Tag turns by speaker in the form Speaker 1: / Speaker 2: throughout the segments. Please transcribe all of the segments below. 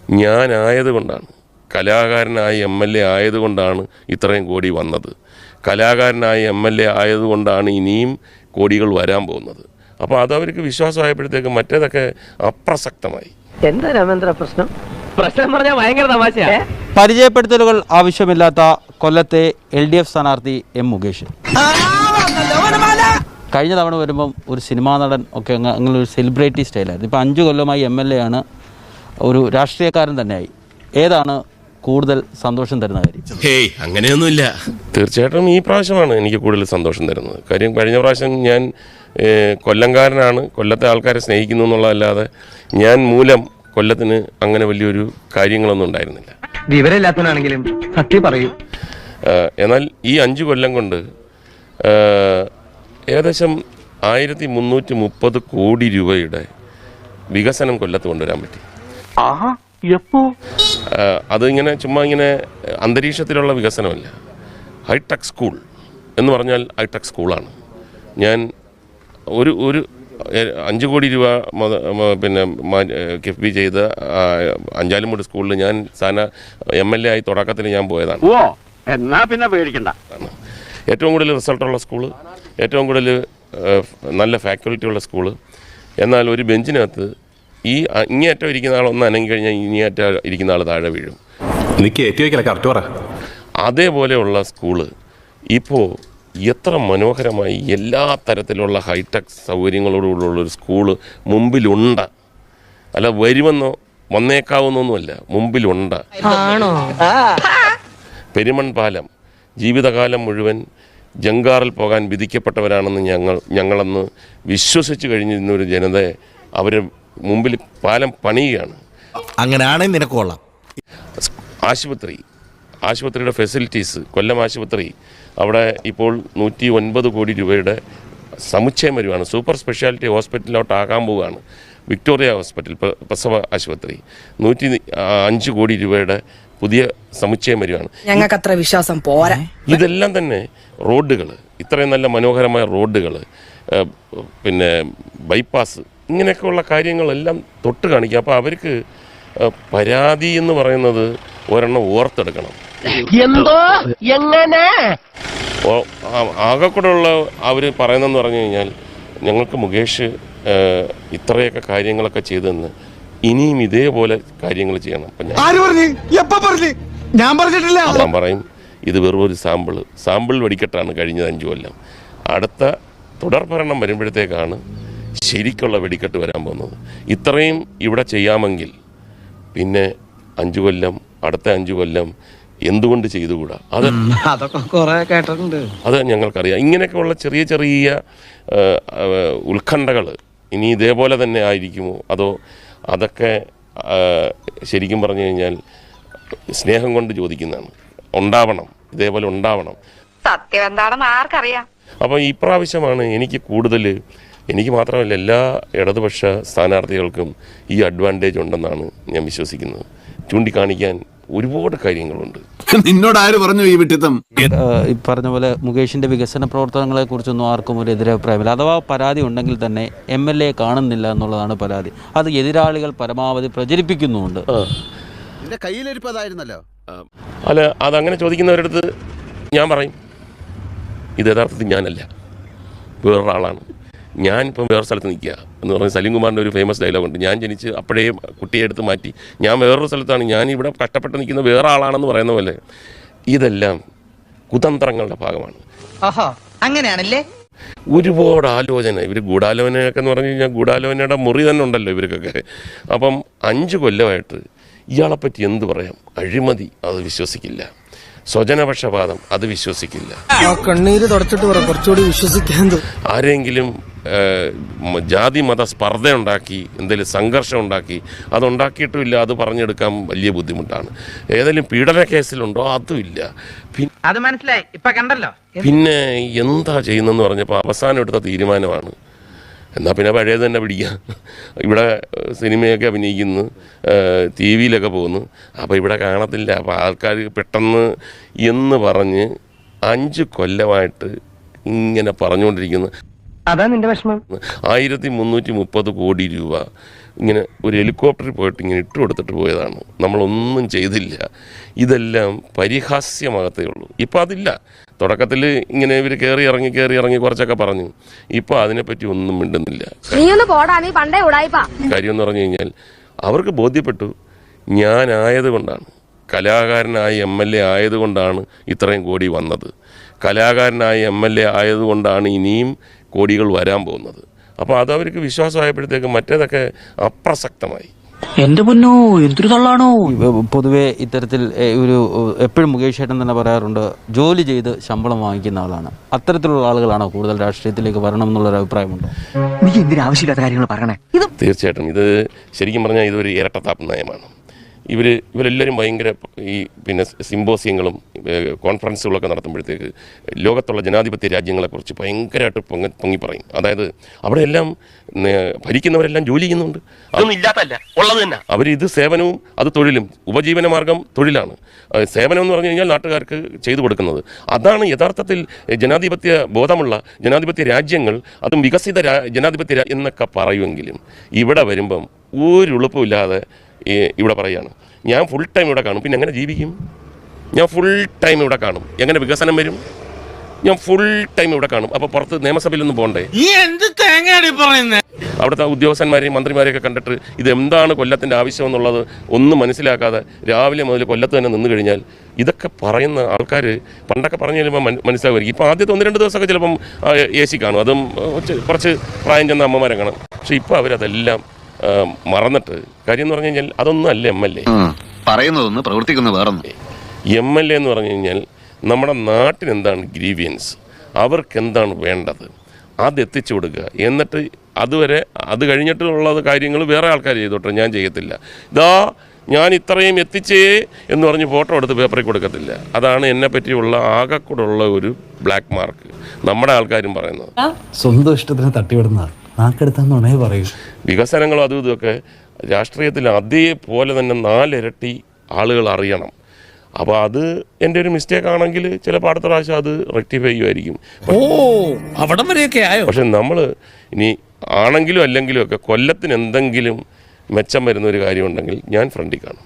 Speaker 1: ഞാനായതുകൊണ്ടാണ്, കലാകാരനായ MLA ആയതുകൊണ്ടാണ് ഇത്രയും കോടി വന്നത്. കലാകാരനായ MLA ആയതുകൊണ്ടാണ് ഇനിയും കോടികൾ വരാൻ പോകുന്നത്. അപ്പോൾ അതവർക്ക് വിശ്വാസമായപ്പോഴത്തേക്ക് മറ്റേതൊക്കെ അപ്രസക്തമായി.
Speaker 2: എന്താ രാമേന്ദ്ര പ്രശ്നം? പ്രശ്നം പറഞ്ഞാൽ ഭയങ്കര തമാശയാ.
Speaker 3: പരിചയപ്പെടുത്തലുകൾ ആവശ്യമില്ലാത്ത കൊല്ലത്തെ LDF സ്ഥാനാർത്ഥി M. മുകേഷ്. കഴിഞ്ഞ തവണ വരുമ്പം ഒരു സിനിമാ നടൻ ഒക്കെ അങ്ങനെ ഒരു സെലിബ്രിറ്റി സ്റ്റൈലായിരുന്നു. ഇപ്പോൾ 5 കൊല്ലമായി MLA ആണ്, ഒരു രാഷ്ട്രീയക്കാരൻ തന്നെയായി. ഏതാണ് കൂടുതൽ സന്തോഷം തരുന്ന കാര്യം?
Speaker 1: ഹേയ്, അങ്ങനെയൊന്നുമില്ല. തീർച്ചയായിട്ടും ഈ പ്രാവശ്യമാണ് എനിക്ക് കൂടുതൽ സന്തോഷം തരുന്നത്. കാര്യം കഴിഞ്ഞ പ്രാവശ്യം ഞാൻ കൊല്ലംകാരനാണ്, കൊല്ലത്തെ ആൾക്കാരെ സ്നേഹിക്കുന്നു എന്നുള്ളതല്ലാതെ ഞാൻ മൂലം കൊല്ലത്തിന് അങ്ങനെ വലിയൊരു കാര്യങ്ങളൊന്നും ഉണ്ടായിരുന്നില്ല.
Speaker 2: വിവരമില്ലാത്തവനാണെങ്കിലും സത്യം പറയൂ.
Speaker 1: എന്നാൽ ഈ 5 കൊല്ലം കൊണ്ട് ഏകദേശം 1330 കോടി രൂപയുടെ വികസനം കൊല്ലത്ത് കൊണ്ടുവരാൻ പറ്റി. അതിങ്ങനെ ചുമ്മാ ഇങ്ങനെ അന്തരീക്ഷത്തിലുള്ള വികസനമല്ല. ഹൈടെക് സ്കൂൾ എന്ന് പറഞ്ഞാൽ ഹൈടെക് സ്കൂളാണ്. ഞാൻ ഒരു 5 കോടി രൂപ പിന്നെ കിഫ്ബി ചെയ്ത അഞ്ചാലുമൂട് സ്കൂളിൽ ഞാൻ MLA ആയി തുടക്കത്തിൽ ഞാൻ പോയതാണ്.
Speaker 2: എന്നാ പിന്നെ പേടിക്കണ്ട.
Speaker 1: ഏറ്റവും കൂടുതൽ റിസൾട്ടുള്ള സ്കൂള്, ഏറ്റവും കൂടുതൽ നല്ല ഫാക്കൽറ്റി ഉള്ള സ്കൂള്. എന്നാൽ ഒരു ബെഞ്ചിനകത്ത് ഈ ഇങ്ങേറ്റം ഇരിക്കുന്ന ആൾ ഒന്ന് അനങ്ങി കഴിഞ്ഞാൽ ഇങ്ങേറ്റം ഇരിക്കുന്ന ആൾ താഴെ വീഴും. അതേപോലെയുള്ള സ്കൂള് ഇപ്പോൾ എത്ര മനോഹരമായി എല്ലാ തരത്തിലുള്ള ഹൈടെക് സൗകര്യങ്ങളോടുള്ളൊരു സ്കൂള് മുമ്പിലുണ്ട്. അല്ല വരുമെന്നോ വന്നേക്കാവുന്നൊന്നുമല്ല, മുമ്പിലുണ്ട്. പെരുമൺ പാലം ജീവിതകാലം മുഴുവൻ ജങ്കാറിൽ പോകാൻ വിധിക്കപ്പെട്ടവരാണെന്ന് ഞങ്ങളന്ന് വിശ്വസിച്ച് കഴിഞ്ഞിരുന്നൊരു ജനതയെ അവർ മുമ്പിൽ പാലം പണിയുകയാണ്.
Speaker 4: അങ്ങനെയാണെങ്കിൽ നിനക്ക് കൊള്ളാം.
Speaker 1: ആശുപത്രിയുടെ ഫെസിലിറ്റീസ്, കൊല്ലം ആശുപത്രി അവിടെ ഇപ്പോൾ 109 കോടി രൂപയുടെ സമുച്ചയം വരുവാണ്. സൂപ്പർ സ്പെഷ്യാലിറ്റി ഹോസ്പിറ്റലിലോട്ടാകാൻ പോവുകയാണ്. വിക്ടോറിയ ഹോസ്പിറ്റൽ പ്രസവ ആശുപത്രി 105 കോടി രൂപയുടെ പുതിയ സമുച്ചയം വരുവാണ്.
Speaker 5: ഞങ്ങൾക്ക് അത്ര വിശ്വാസം പോരാ.
Speaker 1: ഇതെല്ലാം തന്നെ റോഡുകൾ, ഇത്രയും നല്ല മനോഹരമായ റോഡുകൾ, പിന്നെ ബൈപ്പാസ്, ഇങ്ങനെയൊക്കെയുള്ള കാര്യങ്ങളെല്ലാം തൊട്ട് കാണിക്കുക. അപ്പോൾ അവർക്ക് പരാതി എന്ന് പറയുന്നത് ഒരെണ്ണം ഓർത്തെടുക്കണം.
Speaker 2: എന്തോ എങ്ങനെ
Speaker 1: ആകെക്കൂടെയുള്ള അവർ പറയുന്നതെന്ന് പറഞ്ഞു കഴിഞ്ഞാൽ ഞങ്ങൾക്ക് മുകേഷ് ഇത്രയൊക്കെ കാര്യങ്ങളൊക്കെ ചെയ്തെന്ന്, ഇനിയും ഇതേപോലെ കാര്യങ്ങൾ ചെയ്യണം. ഞാൻ പറയും ഇത് വെറും ഒരു സാമ്പിൾ വെടിക്കെട്ടാണ് കഴിഞ്ഞത് 5 കൊല്ലം. അടുത്ത തുടർഭരണം വരുമ്പോഴത്തേക്കാണ് ശരിക്കുള്ള വെടിക്കെട്ട് വരാൻ പോകുന്നത്. ഇത്രയും ഇവിടെ ചെയ്യാമെങ്കിൽ പിന്നെ 5 കൊല്ലം, അടുത്ത 5 കൊല്ലം എന്തുകൊണ്ട് ചെയ്തുകൂടാ? അത് ഞങ്ങൾക്കറിയാം. ഇങ്ങനെയൊക്കെയുള്ള ചെറിയ ചെറിയ ഉത്കണ്ഠകൾ ഇനി ഇതേപോലെ തന്നെ ആയിരിക്കുമോ, അതോ അതൊക്കെ ശരിക്കും പറഞ്ഞു കഴിഞ്ഞാൽ സ്നേഹം കൊണ്ട് ചോദിക്കുന്നതാണ്. ഉണ്ടാവണം, ഇതേപോലെ ഉണ്ടാവണം.
Speaker 5: സത്യം എന്താണെന്ന് ആർക്കറിയാം.
Speaker 1: അപ്പോൾ ഈ പ്രാവശ്യമാണ് എനിക്ക് മാത്രമല്ല എല്ലാ ഇടതുപക്ഷ സ്ഥാനാർത്ഥികൾക്കും ഈ അഡ്വാൻറ്റേജ് ഉണ്ടെന്നാണ് ഞാൻ വിശ്വസിക്കുന്നത്. ചൂണ്ടിക്കാണിക്കാൻ ഒരുപാട് കാര്യങ്ങളുണ്ട്.
Speaker 4: നിന്നോട് ആര് പറഞ്ഞു ഈ വിട്ടിത്തം?
Speaker 3: ഈ പറഞ്ഞ പോലെ മുകേഷിൻ്റെ വികസന പ്രവർത്തനങ്ങളെ കുറിച്ചൊന്നും ആർക്കും ഒരു എതിരഭിപ്രായമില്ല. അഥവാ പരാതി ഉണ്ടെങ്കിൽ തന്നെ MLA കാണുന്നില്ല എന്നുള്ളതാണ് പരാതി. അത് എതിരാളികൾ പരമാവധി പ്രചരിപ്പിക്കുന്നുമുണ്ട്.
Speaker 1: അല്ല, അതങ്ങനെ ചോദിക്കുന്നവരടുത്ത് ഞാൻ പറയും ഇത് യഥാർത്ഥത്തിൽ ഞാനല്ല, വേറൊരാളാണ്. ഞാനിപ്പം വേറെ സ്ഥലത്ത് നിൽക്കുക എന്ന് പറഞ്ഞാൽ സലീം കുമാറിൻ്റെ ഒരു ഫേമസ് ഡയലോഗുണ്ട്. ഞാൻ ജനിച്ച് അപ്പോഴേ കുട്ടിയെ എടുത്ത് മാറ്റി ഞാൻ വേറൊരു സ്ഥലത്താണ്, ഞാനിവിടെ കഷ്ടപ്പെട്ട് നിൽക്കുന്ന വേറെ ആളാണെന്ന് പറയുന്ന പോലെ ഇതെല്ലാം കുതന്ത്രങ്ങളുടെ ഭാഗമാണ്.
Speaker 5: അങ്ങനെയാണല്ലേ?
Speaker 1: ഒരുപാട് ആലോചന, ഇവർ ഗൂഢാലോചനയൊക്കെ എന്ന് പറഞ്ഞു കഴിഞ്ഞാൽ ഗൂഢാലോചനയുടെ മുറി തന്നെ ഉണ്ടല്ലോ ഇവർക്കൊക്കെ. അപ്പം 5 കൊല്ലമായിട്ട് ഇയാളെപ്പറ്റി എന്ത് പറയാം? അഴിമതി, അത് വിശ്വസിക്കില്ല. സ്വജനപക്ഷപാതം, അത് വിശ്വസിക്കില്ല.
Speaker 6: കണ്ണീര് തുടച്ചിട്ട് കുറച്ചുകൂടി വിശ്വസിക്കാൻ.
Speaker 1: ആരെങ്കിലും ജാതി മത സ്പർദ്ധ ഉണ്ടാക്കി എന്തെങ്കിലും സംഘർഷം ഉണ്ടാക്കി അതുണ്ടാക്കിയിട്ടുമില്ല, അത് പറഞ്ഞെടുക്കാൻ വലിയ ബുദ്ധിമുട്ടാണ്. ഏതെങ്കിലും പീഡന കേസിലുണ്ടോ? അതുമില്ല.
Speaker 2: അത് മനസ്സിലായി, ഇപ്പൊ കണ്ടല്ലോ.
Speaker 1: പിന്നെ എന്താ ചെയ്യുന്നതെന്ന് പറഞ്ഞപ്പോൾ അവസാനം എടുത്ത തീരുമാനമാണ് എന്നാൽ പിന്നെ പഴയത് തന്നെ പിടിക്കാം. ഇവിടെ സിനിമയൊക്കെ അഭിനയിക്കുന്നു, TV-യിലൊക്കെ പോകുന്നു, അപ്പോൾ ഇവിടെ കാണത്തില്ല, അപ്പോൾ ആൾക്കാർ പെട്ടെന്ന് എന്ന് പറഞ്ഞ് 5 കൊല്ലമായിട്ട് ഇങ്ങനെ പറഞ്ഞുകൊണ്ടിരിക്കുന്നു.
Speaker 2: അതാ നിന്റെ വിഷമം.
Speaker 1: 1330 കോടി രൂപ ഇങ്ങനെ ഒരു ഹെലികോപ്റ്ററിൽ പോയിട്ട് ഇങ്ങനെ ഇട്ട് കൊടുത്തിട്ട് പോയതാണ്. നമ്മളൊന്നും ചെയ്തില്ല. ഇതെല്ലാം പരിഹാസ്യമാകത്തേ ഉള്ളൂ. ഇപ്പോൾ അതില്ല. തുടക്കത്തിൽ ഇങ്ങനെ ഇവർ കയറി ഇറങ്ങി കുറച്ചൊക്കെ പറഞ്ഞു. ഇപ്പോൾ അതിനെപ്പറ്റി ഒന്നും മിണ്ടുന്നില്ല. കാര്യം എന്ന് പറഞ്ഞു കഴിഞ്ഞാൽ അവർക്ക് ബോധ്യപ്പെട്ടു ഞാനായതുകൊണ്ടാണ്, കലാകാരനായ MLA ആയതുകൊണ്ടാണ് ഇത്രയും കോടി വന്നത്, കലാകാരനായ MLA ആയതുകൊണ്ടാണ് ഇനിയും കോടികൾ വരാൻ പോകുന്നത്. അപ്പോൾ അതവർക്ക് വിശ്വാസമായപ്പോഴത്തേക്ക് മറ്റേതൊക്കെ അപ്രസക്തമായി.
Speaker 2: എന്റെ പൊന്നോ എന്തൊരു തള്ളാണോ.
Speaker 3: പൊതുവേ ഇത്തരത്തിൽ ഒരു എപ്പോഴും മുകേഷ് ഏട്ടൻ തന്നെ പറയാറുണ്ട്, ജോലി ചെയ്ത് ശമ്പളം വാങ്ങിക്കുന്ന ആളാണ്. അത്തരത്തിലുള്ള ആളുകളാണോ കൂടുതൽ രാഷ്ട്രീയത്തിലേക്ക് വരണം എന്നുള്ളൊരു അഭിപ്രായമുണ്ടോ?
Speaker 2: നീ എന്തിനാ ആവശ്യമില്ലാത്ത കാര്യങ്ങൾ പറയണേ?
Speaker 1: തീർച്ചയായിട്ടും ഇത് ശരിക്കും പറഞ്ഞാൽ ഇതൊരു ഇരട്ടത്താപ്പ് നയമാണ്. ഇവരെല്ലാവരും ഭയങ്കര ഈ പിന്നെ സിമ്പോസിയങ്ങളും കോൺഫറൻസുകളൊക്കെ നടത്തുമ്പോഴത്തേക്ക് ലോകത്തുള്ള ജനാധിപത്യ രാജ്യങ്ങളെക്കുറിച്ച് ഭയങ്കരമായിട്ട് പൊങ്ങി പറയും. അതായത് അവിടെയെല്ലാം ഭരിക്കുന്നവരെല്ലാം ജോലി ചെയ്യുന്നുണ്ട്.
Speaker 2: അതൊന്നും ഇല്ലാത്തല്ല, ഉള്ളത് തന്നെ.
Speaker 1: അവരിത് സേവനവും അത് തൊഴിലും, ഉപജീവന മാർഗം തൊഴിലാണ്. സേവനം എന്ന് പറഞ്ഞു കഴിഞ്ഞാൽ നാട്ടുകാർക്ക് ചെയ്തു കൊടുക്കുന്നത്. അതാണ് യഥാർത്ഥത്തിൽ ജനാധിപത്യ ബോധമുള്ള ജനാധിപത്യ രാജ്യങ്ങൾ, അതും വികസിത ജനാധിപത്യ എന്നൊക്കെ പറയുമെങ്കിലും ഇവിടെ വരുമ്പം ഒരു എളുപ്പമില്ലാതെ ഇവിടെ പറയുകയാണ് ഞാൻ ഫുൾ ടൈം ഇവിടെ കാണും. പിന്നെ എങ്ങനെ ജീവിക്കും? ഞാൻ ഫുൾ ടൈം ഇവിടെ കാണും, എങ്ങനെ വികസനം വരും? ഞാൻ ഫുൾ ടൈം ഇവിടെ കാണും. അപ്പോൾ പുറത്ത് നിയമസഭയിലൊന്നും പോകണ്ടേ? അവിടുത്തെ ഉദ്യോഗസ്ഥന്മാരെയും മന്ത്രിമാരെയൊക്കെ കണ്ടിട്ട് ഇതെന്താണ് കൊല്ലത്തിൻ്റെ ആവശ്യം എന്നുള്ളത് ഒന്നും മനസ്സിലാക്കാതെ രാവിലെ മുതൽ കൊല്ലത്ത് തന്നെ നിന്ന് കഴിഞ്ഞാൽ ഇതൊക്കെ പറയുന്ന ആൾക്കാർ പണ്ടൊക്കെ പറഞ്ഞു കഴിയുമ്പോൾ മനസ്സിലാകുമായിരിക്കും. ഇപ്പോൾ ആദ്യത്തെ 1-2 ദിവസമൊക്കെ ചിലപ്പം AC കാണും, അതും കുറച്ച് പ്രായം ചെന്ന അമ്മമാരെ കാണും. പക്ഷേ ഇപ്പോൾ അവരതെല്ലാം മറന്നിട്ട്, കാര്യം എന്ന് പറഞ്ഞു കഴിഞ്ഞാൽ അതൊന്നും അല്ല MLA
Speaker 7: പറയുന്നതൊന്ന് പ്രവർത്തിക്കുന്ന വേറൊന്നും.
Speaker 1: MLA എന്ന് പറഞ്ഞു കഴിഞ്ഞാൽ നമ്മുടെ നാട്ടിന് എന്താണ് ഗ്രീവിയൻസ്, അവർക്ക് എന്താണ് വേണ്ടത് അത് എത്തിച്ചു കൊടുക്കുക. എന്നിട്ട് അതുവരെ അത് കഴിഞ്ഞിട്ടുള്ളത് കാര്യങ്ങൾ വേറെ ആൾക്കാർ ചെയ്തോട്ടെ, ഞാൻ ചെയ്യത്തില്ല. ഞാൻ ഇത്രയും എത്തിച്ചേ എന്ന് പറഞ്ഞ് ഫോട്ടോ എടുത്ത് പേപ്പറിൽ കൊടുക്കത്തില്ല. അതാണ് എന്നെ പറ്റിയുള്ള ആകെക്കൂടുള്ള ഒരു ബ്ലാക്ക് മാർക്ക് നമ്മുടെ ആൾക്കാരും പറയുന്നത്.
Speaker 8: സ്വന്തം ഇഷ്ടത്തിന് തട്ടിവിടുന്ന നാക്കെടുത്താന്നുണേ പറയൂ.
Speaker 1: വികസനങ്ങളും അതും ഇതൊക്കെ രാഷ്ട്രീയത്തിൽ അതേപോലെ തന്നെ 4 ഇരട്ടി ആളുകൾ അറിയണം. അപ്പോൾ അത് എൻ്റെ ഒരു മിസ്റ്റേക്ക് ആണെങ്കിൽ ചിലപ്പോൾ അടുത്ത പ്രാവശ്യം അത് റെക്ടിഫൈ ചെയ്യുമായിരിക്കും.
Speaker 6: അവിടം വരെയൊക്കെ ആയോ?
Speaker 1: പക്ഷെ നമ്മൾ ഇനി ആണെങ്കിലും അല്ലെങ്കിലും ഒക്കെ കൊല്ലത്തിന് എന്തെങ്കിലും മെച്ചം വരുന്ന ഒരു കാര്യമുണ്ടെങ്കിൽ ഞാൻ ഫ്രണ്ടിൽ കാണും.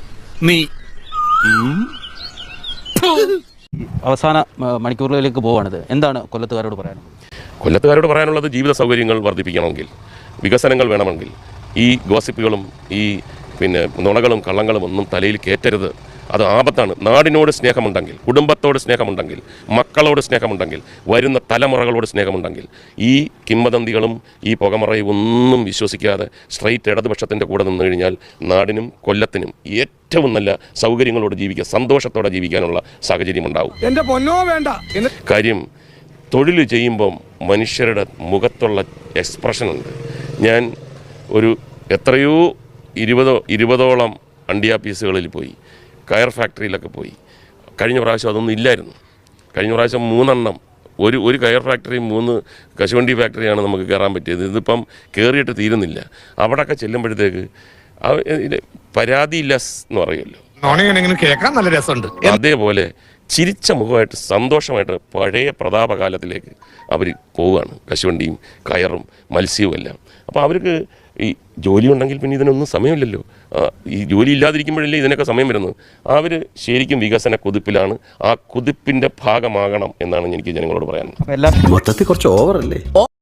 Speaker 3: അവസാന മണിക്കൂറുകളിലേക്ക് പോവാണിത്. എന്താണ് കൊല്ലത്തുകാരോട് പറയാൻ?
Speaker 1: കൊല്ലത്തുകാരോട് പറയാനുള്ളത് ജീവിത സൗകര്യങ്ങൾ വർദ്ധിപ്പിക്കണമെങ്കിൽ, വികസനങ്ങൾ വേണമെങ്കിൽ ഈ ഗോസിപ്പുകളും ഈ പിന്നെ നുണകളും കള്ളങ്ങളും ഒന്നും തലയിൽ കയറ്റരുത്. അത് ആപത്താണ്. നാടിനോട് സ്നേഹമുണ്ടെങ്കിൽ, കുടുംബത്തോട് സ്നേഹമുണ്ടെങ്കിൽ, മക്കളോട് സ്നേഹമുണ്ടെങ്കിൽ, വരുന്ന തലമുറകളോട് സ്നേഹമുണ്ടെങ്കിൽ ഈ കിംവദന്തികളും ഈ പുകമറയും ഒന്നും വിശ്വസിക്കാതെ സ്ട്രൈറ്റ് ഇടതുപക്ഷത്തിൻ്റെ കൂടെ നിന്ന് കഴിഞ്ഞാൽ നാടിനും കൊല്ലത്തിനും ഏറ്റവും നല്ല സൗകര്യങ്ങളോട് ജീവിക്കുക, സന്തോഷത്തോടെ ജീവിക്കാനുള്ള സാഹചര്യം ഉണ്ടാവും.
Speaker 6: എന്റെ പൊന്നോ വേണ്ട.
Speaker 1: കാര്യം തൊഴിൽ ചെയ്യുമ്പം മനുഷ്യരുടെ മുഖത്തുള്ള എക്സ്പ്രഷനുണ്ട്. ഞാൻ ഒരു എത്രയോ 20ഓളം അണ്ടിയ പീസുകളിൽ പോയി, കയർ ഫാക്ടറിയിലൊക്കെ പോയി. കഴിഞ്ഞ പ്രാവശ്യം അതൊന്നും ഇല്ലായിരുന്നു. കഴിഞ്ഞ പ്രാവശ്യം 3 എണ്ണം, ഒരു കയർ ഫാക്ടറി 3 കശുവണ്ടി ഫാക്ടറിയാണ് നമുക്ക് കയറാൻ പറ്റിയത്. ഇതിപ്പം കയറിയിട്ട് തീരുന്നില്ല. അവിടെയൊക്കെ ചെല്ലുമ്പോഴത്തേക്ക് പരാതിയില്ലസ് എന്ന് പറയുമല്ലോ,
Speaker 6: കേൾക്കാൻ നല്ല രസമുണ്ട്.
Speaker 1: അതേപോലെ ചിരിച്ച മുഖമായിട്ട് സന്തോഷമായിട്ട് പഴയ പ്രതാപകാലത്തിലേക്ക് അവർ പോവുകയാണ്. കശുവണ്ടിയും കയറും മത്സ്യവും എല്ലാം. അപ്പോൾ അവർക്ക് ഈ ജോലി ഉണ്ടെങ്കിൽ പിന്നെ ഇതിനൊന്നും സമയമില്ലല്ലോ. ഈ ജോലി ഇല്ലാതിരിക്കുമ്പോഴല്ലേ ഇതിനൊക്കെ സമയം വരുന്നത്. അവർ ശരിക്കും വികസന കുതിപ്പിലാണ്. ആ കുതിപ്പിൻ്റെ ഭാഗമാകണം എന്നാണ് എനിക്ക് ജനങ്ങളോട് പറയാനുള്ളത്.
Speaker 8: മൊത്തത്തിൽ കുറച്ച് ഓവറല്ലേ?